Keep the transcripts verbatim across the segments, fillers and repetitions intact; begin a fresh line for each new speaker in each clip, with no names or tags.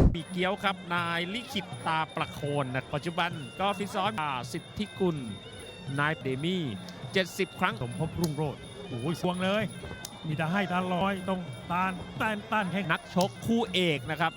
ปีเกี้ยวครับนายลิขิตตาประโคนนะปัจจุบันก็ฟิตซ้อมสิทธิกุลนายเดมี่เจ็ดสิบครั้ง
สมภพรุ่งโรจน์โอ้ยสวงเลยมีแต่ให้ตาลอยต้องต้านต้านต้านแข่ง
นักชกคู่เอกนะครับ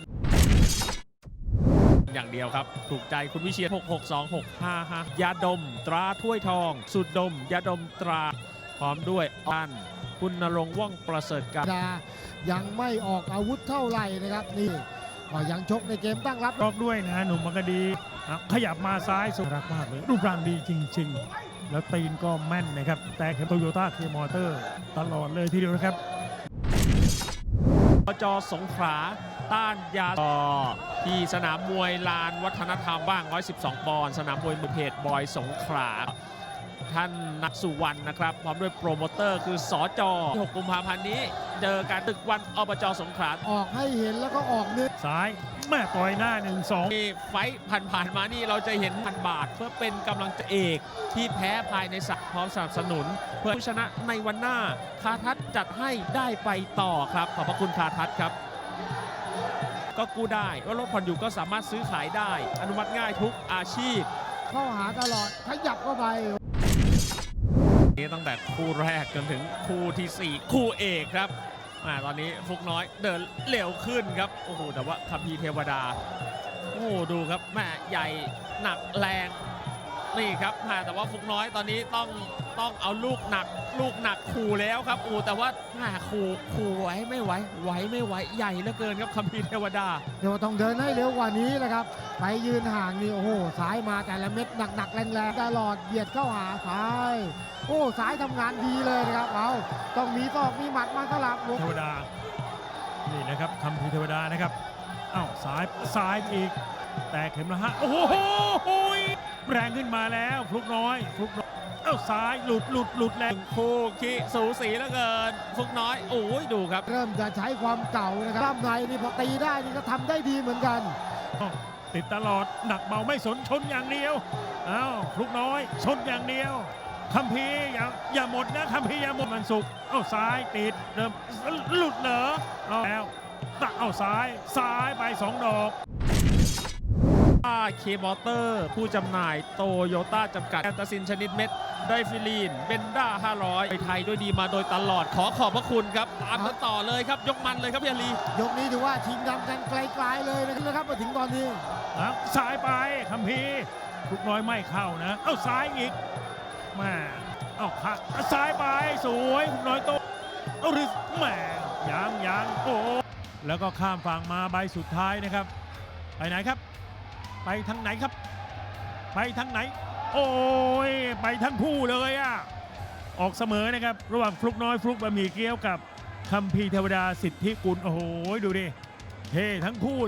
อย่างเดียวครับถูกใจคุณวิเชียรหก หก สอง หก ห้า ห้ายาดมตราถ้วยทองสุดดมยาดมตราพร้อมด้วยอันคุณณรงค์ว่องประเสริฐการ
ยังไม่ออกอาวุธเท่าไหร่นะครับนี่ก็ยังชกในเกมตั้งรับ
รอบด้วยนะหนุ่มมังกรดีขยับมาซ้ายสุดรักมากเลยรูปร่างดีจริงๆแล้วตีนก็แม่นนะครับแต่เข็มโตโยต้าเคมอเตอร์ตลอดเลยทีเดียวนะครับ
ปจสงขลาต้านยาที่สนามมวยลานวัฒนธรรมบ้างหนึ่งร้อยสิบสองปอนด์สนามมวยมือเพจบอยสงขลาท่านนักสุวรรณนะครับพร้อมด้วยโปรโมเตอร์คือสจหกกุมภาพันธ์นี้เจอการตึกวันอบจสงขลา
ออกให้เห็นแล้วก็ออกนึก
ซ้ายแม่ต่อยหน้าหนึ่งสอง
ไฟผ่านๆมานี่เราจะเห็นพันบาทเพื่อเป็นกำลังใจเอกที่แพ้ภายในสักพร้อมสนับสนุนเพื่อชนะในวันหน้าคาทัศจัดให้ได้ไปต่อครับขอบพระคุณคาทัศครับก็กู้ได้ว่ารถผ่อนอยู่ก็สามารถซื้อขายได้อนุมัติง่ายทุกอาชีพ
เข้าหาตลอดขยับเข้าไป
นี่ตั้งแต่คู่แรกจนถึงคู่ที่สี่คู่เอกครับตอนนี้ฟุกน้อยเดินเร็วขึ้นครับโอ้โหแต่ว่าคัมภีร์เทวดาโอ้ดูครับแม่ใหญ่หนักแรงนี่ครับแต่ว่าฟุกน้อยตอนนี้ต้องต้องเอาลูกหนักลูกหนักขู่แล้วครับโอ้แต่ว่าขู่ขู่ไว้ไม่ไหวไหวไม่ไหวใหญ่เหลือเกินครับคัมภีร์เทวดา
เดี๋ยวต้องเดินให้เร็วกว่านี้นะครับไปยืนห่างนี่โอ้โหซ้ายมาแต่ละเม็ดหนักๆแรงๆตลอดเบียดเข้าหาซ้ายโอ้ซ้ายทำงานดีเลยนะครับเอาต้องมีศอกมีหมัดมาสลับ
เทวดานี่นะครับคัมภีร์เทวดานะครับอ้าวซ้ายซ้ายอีกแต่เข็มละฮะโอ้โหแรงขึ้นมาแล้วฟลุกน้อยฟลุกน้อยเอ้าซ้ายหลุดหลุดหลุดแรง
คู่ขี้สูสีเหลือเกินฟลุกน้อยโอ้ยดูครับ
เริ่มจะใช้ความเก่านะครับในนี่พอตีได้นี่ก็ทำได้ดีเหมือนกัน
ติดตลอดหนักเบาไม่สนชนอย่างเดียวอ้าวฟลุกน้อยชนอย่างเดียวคัมภีร์อย่าอย่าหมดนะคัมภีร์อย่าหมดมันสุกเอ้าซ้ายติดเริ่มหลุดเหรอเอาแล้วตักเอาซ้ายซ้ายไปสองดอก
เคมอเตอร์ผู้จำหน่ายโตโยต้าจำกัดแอนตาซินชนิดเม็ดไดฟิลีนเบนด้าห้าร้อยไปไทยด้วยดีมาโดยตลอดขอขอบพระคุณครับตามกันต่อเลยครับยกมันเลยครับพี่อาลี
ยกนี้ถือว่าทีมดำกันไกลๆเลยนะครับมาถึงตอนนี้
ซ้ายไปคัมภีร์ทุกน้อยไม่เข้านะเอ้าซ้ายอีกมาเอ้าขาซ้ายไปสวยทุกน้อยโตเอาหรือแหมยังยังโอ้แล้วก็ข้ามฝั่งมาใบสุดท้ายนะครับไปไหนครับไปทางไหนครับไปทางไหนโอ้ยไปทั้งคู่เลยอ่ะออกเสมอนะครับระหว่างฟลุกน้อยฟลุกบะหมี่เกี๊ยวกับคัมภีร์เทวดาสิทธิกุลโอ้โหดูดิเท่ทั้งคู่